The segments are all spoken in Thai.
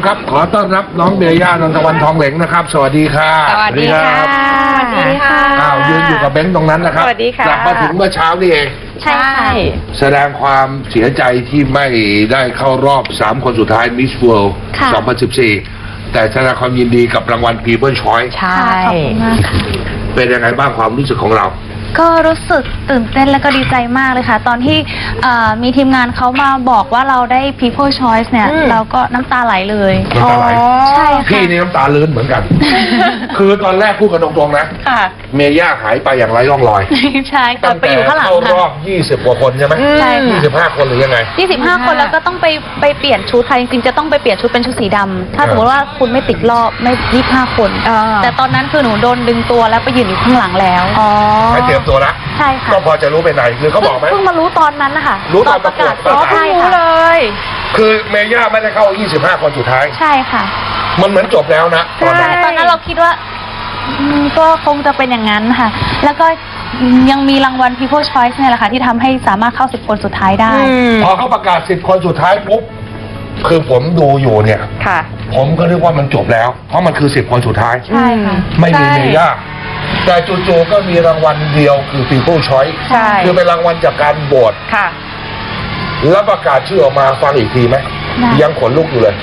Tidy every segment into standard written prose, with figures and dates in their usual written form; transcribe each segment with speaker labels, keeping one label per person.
Speaker 1: ครับ ขอต้อนรับน้องเมย่านนทวันทองเหลงนะครับสวัสดีค่ะ
Speaker 2: สวัสดีค่ะ
Speaker 3: สวัสดีค่ะ
Speaker 1: ยืนอยู่กับเบนซ์ตรงนั้นนะครับ
Speaker 2: สวัสดีค่ะ
Speaker 1: กลับมาถึงเมื่อเช้านี่เอง
Speaker 3: ใช่ค่ะ
Speaker 1: แสดงความเสียใจที่ไม่ได้เข้ารอบ3คนสุดท้าย Miss World
Speaker 3: ค่ะ
Speaker 1: 2014 แต่แสดงความยินดีกับรางวัล People Choice
Speaker 2: ใช่
Speaker 3: ขอบคุณมากค่ะ
Speaker 1: เป็นยังไงบ้างความรู้สึกของเรา
Speaker 3: ก็รู้สึกตื่นเต้นและก็ดีใจมากเลยค่ะ ตอนที่มีทีมงานเขามาบอกว่าเราได้ People Choice เนี่ย เราก็น้ำตาไหลเลย
Speaker 1: น้ำตาไหล
Speaker 3: ใช่ค่ะ
Speaker 1: พี่นี่น้ำตาลื้นเหมือนกัน คือตอนแรกพูดกันตรงๆนะ
Speaker 2: ค่ะ
Speaker 1: เมย่าหายไปอย่างไร้ร่องรอย
Speaker 3: ใช่ค่ะไปอยู่ข้างหลัง
Speaker 1: เข้าร
Speaker 3: ค่ะ
Speaker 1: อบ20กว่าคนใช่ไหม
Speaker 3: ใช่ค่ะ
Speaker 1: 25 คนหรือยังไง
Speaker 3: 25 คนแล้วก็ต้องไปเปลี่ยนชุดค่ะจริงๆจะต้องไปเปลี่ยนชุดเป็นชุดสีดำถ้าสมมติว่าคุณไม่ติดรอบไม่25 คน แต่ตอนนั้นคือหนูโดนดึงตัวแล้วไปยืนอยู่ข้างหลังแล้ว
Speaker 1: ให้เตรียมตัวละ
Speaker 3: ใช่ค่ะ
Speaker 1: ก็พอจะรู้ไปไหนหรือเขาบอกไหม
Speaker 3: เพิ่งมารู้ตอนนั้นนะคะ
Speaker 1: รู้ตอนประกาศ
Speaker 3: ใช่
Speaker 2: รู้
Speaker 3: ค่ะ
Speaker 2: เลย
Speaker 1: คือเมย่าไม่ได้เข้า 25 คนสุดท้าย
Speaker 3: ใช่ค่ะ
Speaker 1: มันเหมือนจบแล้วนะตอนนั้น
Speaker 3: ตอนนั้นเราคิดว่าก็คงจะเป็นอย่างนั้นค่ะ แล้วก็ยังมีรางวัล People Choice เนี่ยแหละค่ะที่ทำให้สามารถเข้า10 คนสุดท้ายได้
Speaker 1: พอเขาประกาศ10 คนสุดท้ายปุ๊บคือผมดูอยู่เนี่ย
Speaker 2: ค่ะ
Speaker 1: ผมก็นึกว่ามันจบแล้ว เพราะมันคือ10 คนสุดท้าย
Speaker 3: ใช่ค่ะ
Speaker 1: ไม่มี
Speaker 2: ใช่
Speaker 1: เมย่าแต่จู่ๆก็มีรางวัลเดียวคือ People Choice
Speaker 2: ใช่
Speaker 1: คือเป็นรางวัลจากการโหวต
Speaker 2: ค่ะ
Speaker 1: แล้วประกาศชื่อออกมาฟังอีกทีไหม
Speaker 3: ได้
Speaker 1: ยังขนลุกอยู่เลย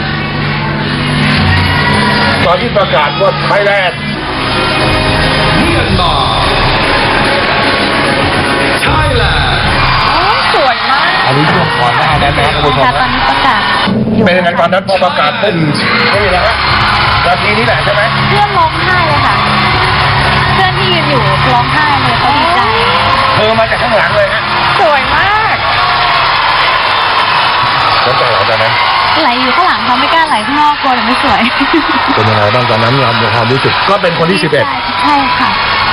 Speaker 1: ตอนที่ประกาศว่าไทยแลนด์
Speaker 4: Myanmar Thailand
Speaker 2: สวยมาก
Speaker 1: อันนี้ช่วงก่อนหน้านั้นนะคุณผู้ชม
Speaker 3: ค่ะตอน
Speaker 1: นะ
Speaker 3: นี้ประกาศอยู่
Speaker 1: เป็นยังไงตอนนั้นพอประกาศปุ๊บนี่แหละฮะนาทีนี้แหละใช่ไหม
Speaker 3: เพื่อนร้องไห้เลยค่ะ เพื่อนที่ยืนอยู่ร้องไห้เลยเขาดีใจ
Speaker 1: เธอมาจากข้างหลังเลยฮะ
Speaker 2: สวยมาก
Speaker 1: น้ำตาไหลตอนนั้น
Speaker 3: ไหลอยู่ข้างหลังเขาไม่กล้าไหลข้างนอกกลัวเดี๋ยวไม่สวย
Speaker 1: เป็นยังไงบ้างตอนนั้นความรู้สึกก็เป็นคนที่
Speaker 3: ใช่ค่ะ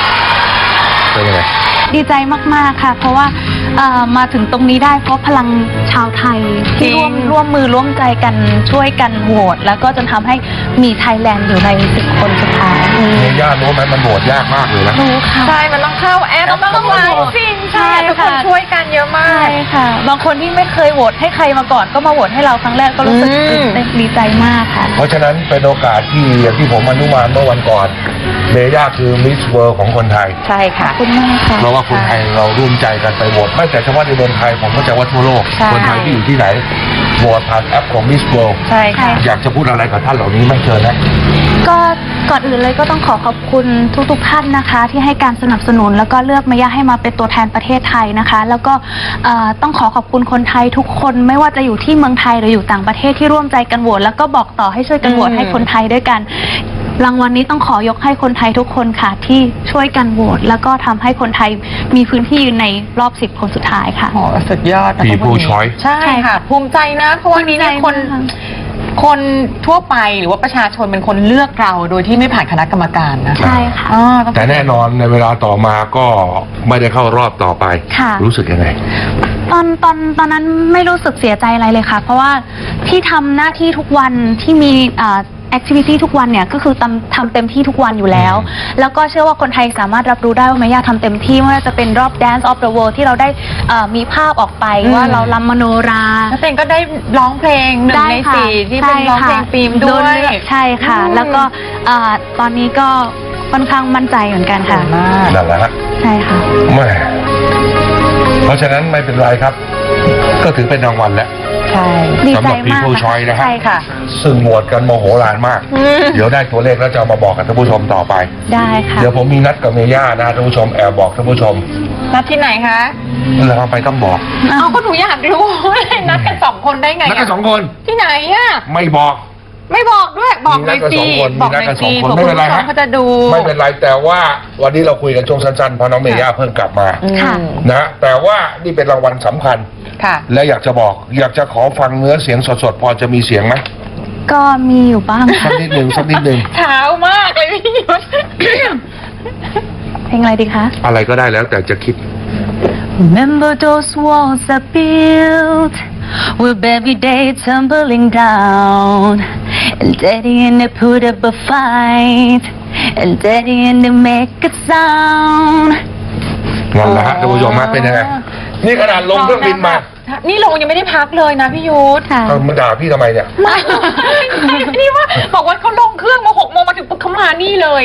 Speaker 1: 11เป็นยังไง
Speaker 3: ดีใจมากๆค่ะ เพราะว่ามาถึงตรงนี้ได้เพราะพลังชาวไทยที่ร่วมมือร่วมใจกันช่วยกันโหวตแล้วก็จนทำให้มีไทยแลนด์อยู่ใน10 คนสุดท้าย
Speaker 1: เมย่ารู้ไหมมันโหวตยากมากเลยนะ
Speaker 3: รู้ค่ะ
Speaker 2: ใช่ มันต้องเข้าแอปต้องไลน์จริงใช่ทุกคนช่วยกันเยอะมา
Speaker 3: ใช่
Speaker 2: ก
Speaker 3: ค่ะ บางคนที่ไม่เคยโหวตให้ใครมาก่อนก็มาโหวตให้เราครั้งแรกก็รู้สึก
Speaker 2: อืม
Speaker 3: ตื่นเต้นดีใจมากค่ะ
Speaker 1: เพราะฉะนั้นเป็นโอกาสที่อย่างที่ผมอนุมานเมื่อวันก่อนเมย่าคือมิสเวิลด์ของคนไทย
Speaker 2: ใช่ค่ะ
Speaker 3: ขอบคุณมากค่ะ
Speaker 1: เพราะว่าคนไทยเราร่วมใจกันไปโหวตไม่แต่เฉพาะในเมืองไทยผมก็จะว่าทั่วโลก
Speaker 2: ใช่
Speaker 1: คนไทยที่อยู่ที่ไหนโหวตผ่านแอปของ Miss World
Speaker 2: ใช่ค่ะ
Speaker 1: อยากจะพูดอะไรกับท่านเหล่านี้ไม่เชิญนะ
Speaker 3: ก็ก่อนอื่นเลยก็ต้องขอบคุณทุกๆท่านนะคะ ที่ให้การสนับสนุนแล้วก็เลือกเมย่าให้มาเป็นตัวแทนประเทศไทยนะคะ แล้วก็ต้องขอบคุณคนไทยทุกคนไม่ว่าจะอยู่ที่เมืองไทยหรืออยู่ต่างประเทศที่ร่วมใจกันโหวตแล้วก็บอกต่อให้ช่วยกันโหวตให้คนไทยด้วยกันรางวัลนี้ต้องขอยกให้คนไทยทุกคนค่ะ ที่ช่วยกันโหวตแล้วก็ทำให้คนไทยมีพื้นที่ยืนในรอบ10 คนสุดท้ายค่ะ
Speaker 2: โอ้สุดยอดนะคะ
Speaker 1: People
Speaker 2: วันนี้
Speaker 1: Choice
Speaker 2: ใช่ค่ะ ภูมิใจนะ เพราะวันนี้เนี่ยคนทั่วไปหรือว่าประชาชนเป็นคนเลือกเราโดยที่ไม่ผ่านคณะกรรมการนะ
Speaker 3: ใช่ค่ะ
Speaker 2: ต้อง
Speaker 1: แต่แน่นอนในเวลาต่อมาก็ไม่ได้เข้ารอบต่อไป
Speaker 3: ค่ะ
Speaker 1: รู้สึกยังไง
Speaker 3: ตอนนั้นไม่รู้สึกเสียใจอะไรเลยค่ะ เพราะว่าที่ทำหน้าที่ทุกวันที่มีแอคทิวิตี้ทุกวันเนี่ยก็คือทำเต็มที่ทุกวันอยู่แล้ว แล้วก็เชื่อว่าคนไทยสามารถรับรู้ได้ว่าเมย่าทำเต็มที่ไม่ว่าจะเป็นรอบ Dance of the World ที่เราได้มีภาพออกไปว่าเรารำมโนรา
Speaker 2: แล้วเต็งก็ได้ร้องเพลง1 ใน 4ที่เป็นร้องเพลงฟิล์มด้วย
Speaker 3: ใช่ค่ะ แล้วก็ตอนนี้ก็ค่อนข้างมั่นใจเหมือนกันค่ะ
Speaker 2: มาก
Speaker 1: นั่นแหละฮะ
Speaker 3: ใช่ค่ะ
Speaker 1: แม่เพราะฉะนั้นไม่เป็นไรครับ ก็ถือเป็นรางวัลแล้ว
Speaker 2: ใช่
Speaker 3: ดี
Speaker 1: สำห
Speaker 3: ใจ
Speaker 1: รับ
Speaker 3: มาก
Speaker 1: People
Speaker 3: ค่ะ
Speaker 1: Choice นะฮะ
Speaker 3: ใช่ค่ะ
Speaker 1: ซึ่งโหวตกันโมโหลานมาก เดี๋ยวได้ตัวเลขแล้วจะเอามาบอกกับท่านผู้ชมต่อไป
Speaker 3: ได้ค่ะ
Speaker 1: เดี๋ยวผมมีนัดกับเมย่านะท่านผู้ชมแอบบอกท่านผู้ชม
Speaker 2: นัดที่ไหนคะ
Speaker 1: แล้วทำไมต้องบอก
Speaker 2: เอาก็หนูอยากรู้เลยนัดกัน2 คนได้ไง
Speaker 1: นัดกันสองคน
Speaker 2: ที่ไหนอะ
Speaker 1: ไม่บอก
Speaker 2: ไม่บอกด้วยบอกหน่อยสิ
Speaker 1: มีนัดกันสองคน
Speaker 2: บอก
Speaker 1: มีนัดกันสองคนไม่
Speaker 2: ห
Speaker 1: เป็
Speaker 2: น่อย
Speaker 1: นไร
Speaker 2: สิ
Speaker 1: ฮะ
Speaker 2: เขาจะดู
Speaker 1: ไม่เป็นไรแต่ว่าวันนี้เราคุยกันช่วงสั้นๆเพราะน้องเมย่าเพิ่งกลับมา
Speaker 3: ค่ะ
Speaker 1: นะแต่ว่านี่เป็นรางวัลสำคัญ
Speaker 2: ค่ะ
Speaker 1: และอยากจะบอก อยากจะขอฟังเนื้อเสียงสดๆพอจะมีเสียงไหม
Speaker 3: ก็มีอยู่บ้าง
Speaker 1: สักนิดหนึ่งสักนิดหนึ่ง
Speaker 2: เช้ามากเลยพี่ยุทธ
Speaker 3: เพลงอะไรดีคะ
Speaker 1: อะไรก็ได้แล้วแต่จะคิด
Speaker 3: Remember those walls I built with every day tumbling down and Daddy and they put up a fight and Daddy and they make a sound
Speaker 1: นั่นแหละฮะท่านผู้ชมฮะเป็นยังไงนี่ขนาดลงเครื่องบินมา
Speaker 2: นี่ลงยังไม่ได้พักเลยนะพี่ยุทธ
Speaker 3: ค่ะ
Speaker 1: เอามาด่าพี่ทำไมเนี่ย
Speaker 2: ไม่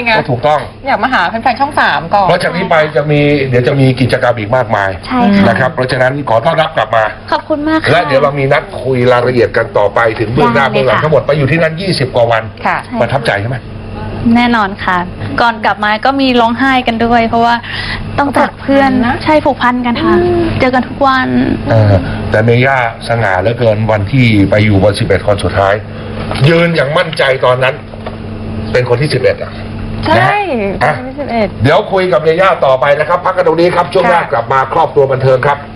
Speaker 2: ไง
Speaker 1: ก็ถูกต้อง
Speaker 2: อยากมาหาแฟนๆช่อง 3 ก่อน
Speaker 1: เพราะจากนี้ไปเดี๋ยวจะมีกิจกรรมอีกมากมาย
Speaker 3: ใช่ค่ะ
Speaker 1: นะครับ เพราะฉะนั้นขอต้อนรับกลับมา
Speaker 3: ขอบคุณมากค่ะ
Speaker 1: และเดี๋ยวเรามีนัดคุยรายละเอียดกันต่อไปถึงเบื้องหน้า
Speaker 3: ได้เลย
Speaker 1: เบื้องหลัง
Speaker 3: ค่ะ
Speaker 1: ทั้งหมดไปอยู่ที่นั่น20 กว่าวัน
Speaker 2: ค่ะ
Speaker 1: ประทับใจใช่ไหม
Speaker 3: แน่นอนค่ะ ก่อนกลับมาก็มีร้องไห้กันด้วย เพราะว่าต้องจากเพื่อน
Speaker 2: ผูกพันนะ
Speaker 3: ใช่ผูกพันกันค่ะ เจอกันทุกวัน
Speaker 1: แต่เมย่าสง่าเหลือเกินวันที่ไปอยู่บน11 คนสุดท้าย ยืนอย่างมั่นใจตอนนั้น เป็นคนที่ 11 อ่ะ
Speaker 2: ใช่
Speaker 1: นะฮะ
Speaker 2: 21
Speaker 1: เดี๋ยวคุยกับเมย่าต่อไปนะครับ พักกันตรงนี้ครับ ช่วงหน้า
Speaker 2: ค่ะ
Speaker 1: กลับมาครอบครัวบันเทิงครับ